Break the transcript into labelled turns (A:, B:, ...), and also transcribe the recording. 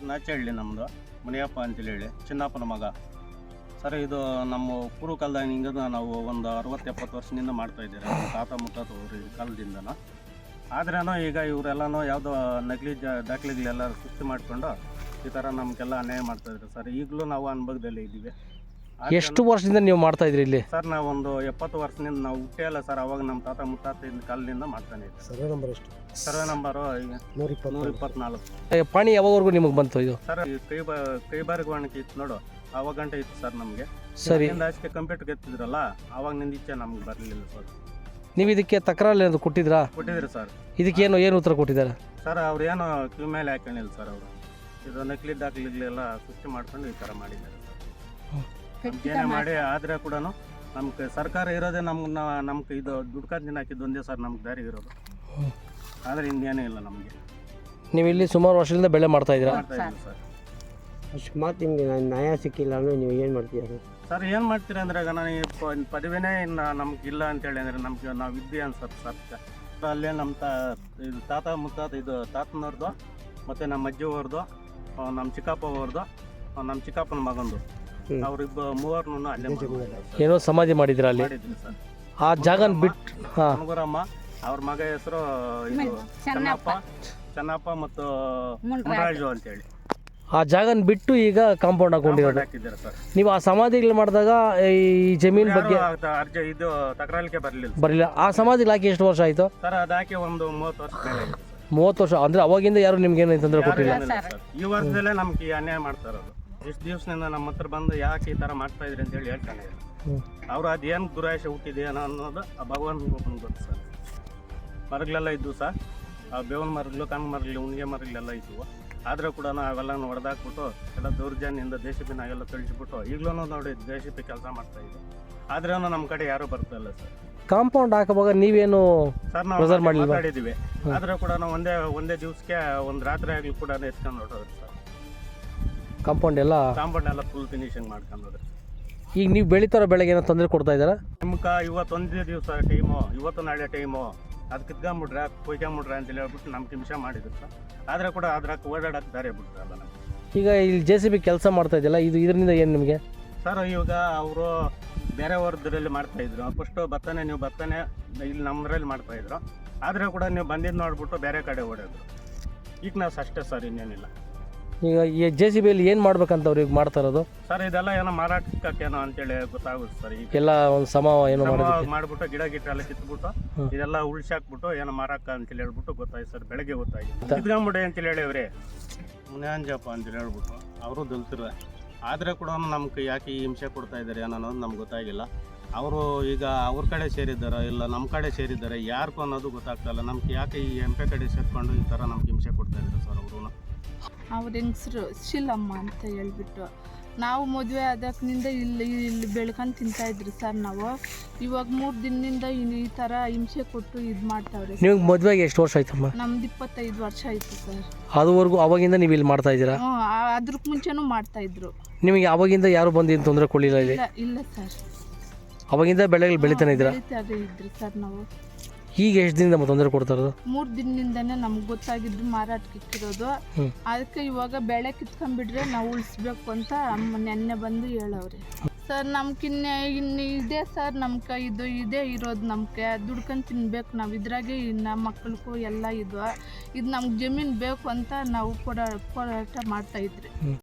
A: ನಾಚಹಳ್ಳಿ ನಮ್ಮದು ಮುನಿಯಪ್ಪ ಅಂತೇಳಿ ಹೇಳಿ ಚಿನ್ನಪ್ಪನ ಮಗ ಸರ್. ಇದು ನಮ್ಮ ಪೂರ್ವ ಕಾಲದಿಂದ ನಾವು ಒಂದು 60-70 ವರ್ಷದಿಂದ ಮಾಡ್ತಾಯಿದ್ದೀರಿ ನಮ್ಮ ತಾತ ಮುತ್ತಾತ ಅವ್ರ ಕಾಲದಿಂದನೂ. ಆದ್ರೂ ಈಗ ಇವರೆಲ್ಲನೂ ಯಾವುದೋ ನಕಲಿ ದಾಖಲೆಗಳೆಲ್ಲ ಸೃಷ್ಟಿ ಮಾಡಿಕೊಂಡು ಈ ಥರ ನಮಗೆಲ್ಲ ಅನ್ಯಾಯ ಮಾಡ್ತಾಯಿದ್ರು ಸರ್. ಈಗಲೂ ನಾವು ಅನುಭವದಲ್ಲಿ ಇದ್ದೀವಿ.
B: ಎಷ್ಟು ವರ್ಷದಿಂದ ನೀವು ಮಾಡ್ತಾ ಇದ್ರಿ ಇಲ್ಲಿ?
A: ಸರ್ ನಾವು ಒಂದು 70 ವರ್ಷದಿಂದ ನಾವು ಹುಟ್ಟೇ ಅಲ್ಲ ಸರ್. ಅವಾಗ ನಮ್ಮ ತಾತ ಮುತ್ತಾತ ಕಾಲದಿಂದ ಮಾಡ್ತಾನೆ ಇದ್ದೀವಿ.
C: ಸರ್ವೆ ನಂಬರ್ ಎಷ್ಟು?
A: Survey number 124.
B: ಪಾಣಿ ಯಾವಾಗವರೆಗೂ ನಿಮಗೆ ಬಂತು ಇದು?
A: ಸರ್ ಕೈಬಾರಿಕೆ ಇತ್ತು ನೋಡು, ಆವಾಗ ಗಂಟೆ ಇತ್ತು ಸರ್ ನಮಗೆ.
B: ಸರಿ,
A: ಅಷ್ಟೇ ಕಂಪ್ಯೂಟರ್ ಎತ್ತಿದ್ರಲ್ಲ ಆವಾಗಿನಿಂದ ಈಚೆ ನಮ್ಗೆ ಬರಲಿಲ್ಲ ಸರ್.
B: ನೀವು ಇದಕ್ಕೆ ತಕರಾರು ಏನಾದ್ರು ಕೊಟ್ಟಿದ್ರಾ?
A: ಕೊಟ್ಟಿದ್ರಿ ಸರ್.
B: ಇದಕ್ಕೇನು ಏನು ಉತ್ತರ ಕೊಟ್ಟಿದ್ದಾರೆ
A: ಸರ್? ಅವ್ರು ಏನೋ ಕ್ಯೂ ಮೇಲೆ ಹಾಕೊಂಡಿಲ್ಲ ಸರ್. ಅವರು ಇದು ನಕಲಿ ದಾಖಲೆಗಳೆಲ್ಲ ಸೃಷ್ಟಿ ಮಾಡ್ಕೊಂಡು ಈ ಥರ ಮಾಡಿದ್ದಾರೆ ಸರ್. ಏನೇ ಮಾಡಿ ಆದರೆ ಕೂಡ ನಮ್ಗೆ ಸರ್ಕಾರ ಇರೋದೇ ನಮ್ಗೆ ಇದು ದುಡ್ಕಾದ ದಿನ ಹಾಕಿದ್ದು ಒಂದೇ ಸರ್ ನಮ್ಗೆ ದಾರಿ ಇರೋದು. ಆದರೆ ಇನ್ನೇನೇ ಇಲ್ಲ ನಮಗೆ.
B: ನೀವು ಇಲ್ಲಿ ಸುಮಾರು ವರ್ಷದಿಂದ ಬೆಳೆ ಮಾಡ್ತಾ ಇದ್ದೀರಾ?
A: ಮಾಡ್ತಾ ಇದ್ದೀವಿ ಸರ್.
C: ಅಕಸ್ಮಾತ್ ನಿಮಗೆ ನ್ಯಾಯ ಸಿಕ್ಕಿಲ್ಲ ಅಂದರೆ ನೀವು ಏನು ಮಾಡ್ತೀರಾ
A: ಸರ್? ಏನು ಮಾಡ್ತೀರಿ ಅಂದರೆ ಈಗ ನಾನು ಪದವಿನೇ ಇನ್ನು ನಮ್ಗೆ ಇಲ್ಲ ಅಂತೇಳಿ ಅಂದರೆ ನಮ್ಗೆ ನಾವು ಇದ್ದೀವಿ ಅನ್ಸತ್ತೆ ಸರ್. ಅಲ್ಲೇ ನಮ್ಮ ಇದು ತಾತ ಮುತ್ತಾತ ಇದು ತಾತನವ್ರದ್ದು ಮತ್ತು ನಮ್ಮ ಅಜ್ಜಿಯವ್ರದ್ದು, ನಮ್ಮ ಚಿಕ್ಕಪ್ಪ ಅವ್ರದ್ದು, ನಮ್ಮ ಚಿಕ್ಕಪ್ಪನ ಮಗಂದು, ಅವ್ರಿಬ್ಬ ಮೂವರ್ನು ಅಲ್ಲೇ
B: ಏನೋ ಸಮಾಧಿ ಮಾಡಿದ್ದೀರಾ ಅಲ್ಲಿ?
A: ಮಾಡಿದ್ದೀನಿ ಸರ್.
B: ಆ ಜಾಗನ ಬಿಟ್ಟು
A: ಕನಗರಮ್ಮ ಅವ್ರ ಮಗ ಹೆಸರು ಇದು ಚೆನ್ನಪ್ಪ ಮತ್ತು ಮುನರಾಜು ಅಂತೇಳಿ
B: ಆ ಜಾಗನ ಬಿಟ್ಟು ಈಗ ಕಾಂಪೌಂಡ್ ಹಾಕೊಂಡಿರೋದು
A: ಹಾಕಿದ್ದಾರೆ ಸರ್.
B: ನೀವು ಆ ಸಮಾಧಿಗಳು ಮಾಡಿದಾಗ ಈ ಜಮೀನ್ ಬಗ್ಗೆ
A: ಅರ್ಜಿ ಇದು ತಕರಾಲಿಕೆ
B: ಬರಲಿಲ್ಲ. ಆ ಸಮಾಧಿಗಳು ಹಾಕಿ ಎಷ್ಟು ವರ್ಷ ಆಯಿತು
A: ಸರ್? ಅದು ಹಾಕಿ ಒಂದು 30 ವರ್ಷ ಮೇಲೆ ಆಗಿದೆ ಸರ್.
B: 30 ವರ್ಷ ಅಂದರೆ ಅವಾಗಿಂದ ಯಾರು ನಿಮ್ಗೇನು ತೊಂದರೆ ಕೊಟ್ಟಿಲ್ಲ?
A: ಈ ವರ್ಷದಲ್ಲೇ ನಮ್ಗೆ ಅನ್ಯಾಯ ಮಾಡ್ತಾ ಇರೋದು. ಇಷ್ಟು ದಿವಸದಿಂದ ನಮ್ಮ ಹತ್ರ ಬಂದು ಯಾಕೆ ಈ ಥರ ಮಾಡ್ತಾ ಇದ್ರಿ ಅಂತೇಳಿ ಹೇಳ್ತಾನೆ ಇಲ್ಲ. ಅವರು ಅದೇನು ದುರಾಶೆ ಹುಟ್ಟಿದೆ ಅನ್ನೋದು ಆ ಭಗವಂತನಿಗೆ ಗೊತ್ತು ಸರ್. ಮರಗಳೆಲ್ಲ ಇದ್ವು ಸರ್, ಆ ಬೇವಿನ ಮರಗಳು, ಕಣ್ಣು ಮರಗಳು, ಉಣ್ಗೆ ಮರಗಳೆಲ್ಲ ಇದ್ವು. ಆದರೂ ಕೂಡ ಅವೆಲ್ಲನೂ ಹೊಡೆದಾಕ್ಬಿಟ್ಟು ಎಲ್ಲ ದೌರ್ಜನ್ಯದಿಂದ ದೇಶಪಿನಾಗೆಲ್ಲ ಕಳಿಸ್ಬಿಟ್ಟು ಈಗಲೂ ನೋಡಿ ದೇಶಪಿ ಕೆಲಸ ಮಾಡ್ತಾ ಇದ್ವಿ. ಆದ್ರೂ ನಮ್ಮ ಕಡೆ ಯಾರೂ ಬರ್ತಾ ಇಲ್ಲ ಸರ್.
B: ಕಾಂಪೌಂಡ್ ಹಾಕುವಾಗ ನೀವೇನು
A: ಸರ್ ನಾವು ಮಾತಾಡಿದ್ದೀವಿ, ಆದರೂ ಕೂಡ ಒಂದೇ ದಿವಸಕ್ಕೆ ಒಂದು ರಾತ್ರಿ ಆಗಲಿ ಕೂಡ ಎತ್ಕೊಂಡು ಹೊರಟೋದ್ರಿ ಸರ್. ಕಾಂಪೌಂಡ್ ಎಲ್ಲ ಫುಲ್ ಫಿನಿಶಿಂಗ್ ಮಾಡ್ಕೊಂಡು ಹೋದ್ರಿ.
B: ಈಗ ನೀವು ಬೆಳೀತಾರೋ ಬೆಳೆಗೆ ಏನೋ ತೊಂದರೆ ಕೊಡ್ತಾ ಇದ್ದಾರಾ?
A: ನಿಮ್ಗೆ ಇವತ್ತೊಂದೇ ದಿವಸ ಟೈಮು, ಇವತ್ತು ನಾಳೆ ಟೈಮು, ಅದು ಕಿತ್ಕೊಂಬಿಟ್ರೆ ಕೊಯ್ಕೊಂಬಿಟ್ರೆ ಅಂತೇಳಿ ಹೇಳ್ಬಿಟ್ಟು ನಮ್ಗೆ ಹಿಂಸೆ ಮಾಡಿದ್ರು ಸರ್. ಆದರೆ ಕೂಡ ಅದ್ರಾಗ ಓಡಾಡಕ್ಕೆ ದಾರಿ ಬಿಡ್ರಲ್ಲ ನಮಗೆ.
B: ಈಗ ಇಲ್ಲಿ JCB ಕೆಲಸ ಮಾಡ್ತಾ ಇದೆಯಲ್ಲ, ಇದರಿಂದ ಏನು ನಿಮಗೆ?
A: ಸರ್ ಇವಾಗ ಅವರು ಬೇರೆ ವರ್ಗದಲ್ಲಿ ಮಾಡ್ತಾಯಿದ್ರು. ಫಸ್ಟು ನೀವು ಭತ್ತನೇ ಇಲ್ಲಿ ನಮ್ಮದ್ರಲ್ಲಿ ಮಾಡ್ತಾಯಿದ್ರು. ಆದರೆ ಕೂಡ ನೀವು ಬಂದಿದ್ದು ನೋಡ್ಬಿಟ್ಟು ಬೇರೆ ಕಡೆ ಓಡೋದ್ರು. ಈಗ ನಾವು ಅಷ್ಟೇ ಸರ್, ಇನ್ನೇನಿಲ್ಲ.
B: ಈಗ ಈ JCBಯಲ್ಲಿ ಏನು ಮಾಡ್ಬೇಕಂತ ಅವ್ರಿಗೆ ಮಾಡ್ತಾ ಇರೋದು
A: ಸರ್? ಇದೆಲ್ಲ ಏನೋ ಮಾರಾಟಕ್ಕೇನೋ ಅಂತೇಳಿ ಗೊತ್ತಾಗುತ್ತೆ ಸರ್. ಈಗ
B: ಎಲ್ಲ ಒಂದು ಏನೋ
A: ಮಾಡ್ಬಿಟ್ಟು ಗಿಡ ಎಲ್ಲ ಕಿತ್ಬಿಟ್ಟು ಇದೆಲ್ಲ ಉಳ್ಸಾಕ್ಬಿಟ್ಟು ಏನೋ ಮಾರಾಕ ಅಂತೇಳಿ ಹೇಳ್ಬಿಟ್ಟು ಗೊತ್ತಾಯ್ತು ಸರ್. ಬೆಳಗ್ಗೆ ಗೊತ್ತಾಗಿತ್ತು. ಕಿತ್ಕೊಂಬಿಡಿ ಅಂತೇಳಿ ಹೇಳಿವ್ರಿ ಮುನಿಯಂಜಪ್ಪ ಅಂತೇಳಿ ಹೇಳ್ಬಿಟ್ಟು ಅವರು ದಲ್ತಿರ. ಆದರೆ ಕೂಡ ನಮ್ಗೆ ಯಾಕೆ ಈ ಹಿಂಸೆ ಕೊಡ್ತಾ ಇದ್ದಾರೆ ಅನ್ನೋದು ನಮ್ಗೆ ಗೊತ್ತಾಗಿಲ್ಲ. ಅವರು ಈಗ ಅವ್ರ ಕಡೆ ಸೇರಿದ್ದಾರೋ ಇಲ್ಲ ನಮ್ಮ ಕಡೆ ಸೇರಿದ್ದಾರೆ ಯಾರಿಗೂ ಅನ್ನೋದು ಗೊತ್ತಾಗ್ತಾಯಿಲ್ಲ. ನಮ್ಗೆ ಯಾಕೆ ಈ MP ಕಡೆ ಸೇರ್ಕೊಂಡು ಈ ಥರ ನಮ್ಗೆ ಹಿಂಸೆ ಕೊಡ್ತಾ ಇದ್ದಾರೆ ಸರ್ ಅವರು.
D: ಅವ್ರ ಹೆಂಗಸರು ಶೀಲಮ್ಮ ಅಂತ ಹೇಳ್ಬಿಟ್ಟು ನಾವು ಮದುವೆ ಆದಕ್ಕಿಂದ ಇಲ್ಲಿ ಬೆಳ್ಕೊಂಡು ತಿಂತಾಯಿದ್ರಿ ಸರ್. ನಾವು ಇವಾಗ 3 ದಿನದಿಂದ ಈ ಥರ ಹಿಂಸೆ ಕೊಟ್ಟು ಇದು ಮಾಡ್ತಾವ್ರೆ.
B: ನೀವು ಮದುವೆಗೆ ಎಷ್ಟು ವರ್ಷ ಆಯ್ತಮ್ಮ?
D: ನಮ್ದು 25 ವರ್ಷ ಆಯಿತು ಸರ್.
B: ಅದುವರೆಗೂ ಅವಾಗಿಂದ ನೀವು ಇಲ್ಲಿ ಮಾಡ್ತಾ ಇದ್ದೀರಾ?
D: ಅದ್ರಕ್ಕೆ ಮುಂಚೆನೂ ಮಾಡ್ತಾಯಿದ್ರು.
B: ನಿಮಗೆ ಅವಾಗಿಂದ ಯಾರು ಬಂದು ಏನು ತೊಂದರೆ ಕೊಡಲಿಲ್ಲ ಇಲ್ಲಿ?
D: ಇಲ್ಲ ಸರ್,
B: ಅವಾಗಿಂದ ಬೆಳೆಗಳು ಬೆಳಿತಾನೆ ಇದ್ರಿ
D: ಸರ್. ನಾವು
B: ಈಗ ಎಷ್ಟು ದಿನದಿಂದ ತೊಂದರೆ ಕೊಡ್ತಾ ಇರೋದು?
D: 3 ದಿನದಿಂದನೇ ನಮ್ಗೆ ಗೊತ್ತಾಗಿದ್ದು ಮಾರಾಟಕ್ಕೆ ಇಕ್ಕಿರೋದು. ಅದಕ್ಕೆ ಇವಾಗ ಬೆಳೆ ಕಿತ್ಕೊಂಡ್ಬಿಟ್ರೆ ನಾವು ಉಳಿಸ್ಬೇಕು ಅಂತ ನೆನ್ನೆ ಬಂದು ಹೇಳವ್ರೆ ಸರ್. ಇನ್ನು ಇದೆ ಸರ್, ನಮ್ಗೆ ಇದು ಇದೇ ಇರೋದು. ನಮ್ಗೆ ದುಡ್ಕೊಂಡು ತಿನ್ಬೇಕು ನಾವು. ಇದ್ರಾಗೆ ನಮ್ಮ ಮಕ್ಕಳಿಗೂ ಎಲ್ಲ ಇದು ನಮ್ಗೆ ಜಮೀನು ಬೇಕು ಅಂತ ನಾವು ಹೋರಾಟ ಮಾಡ್ತಾಯಿದ್ರಿ.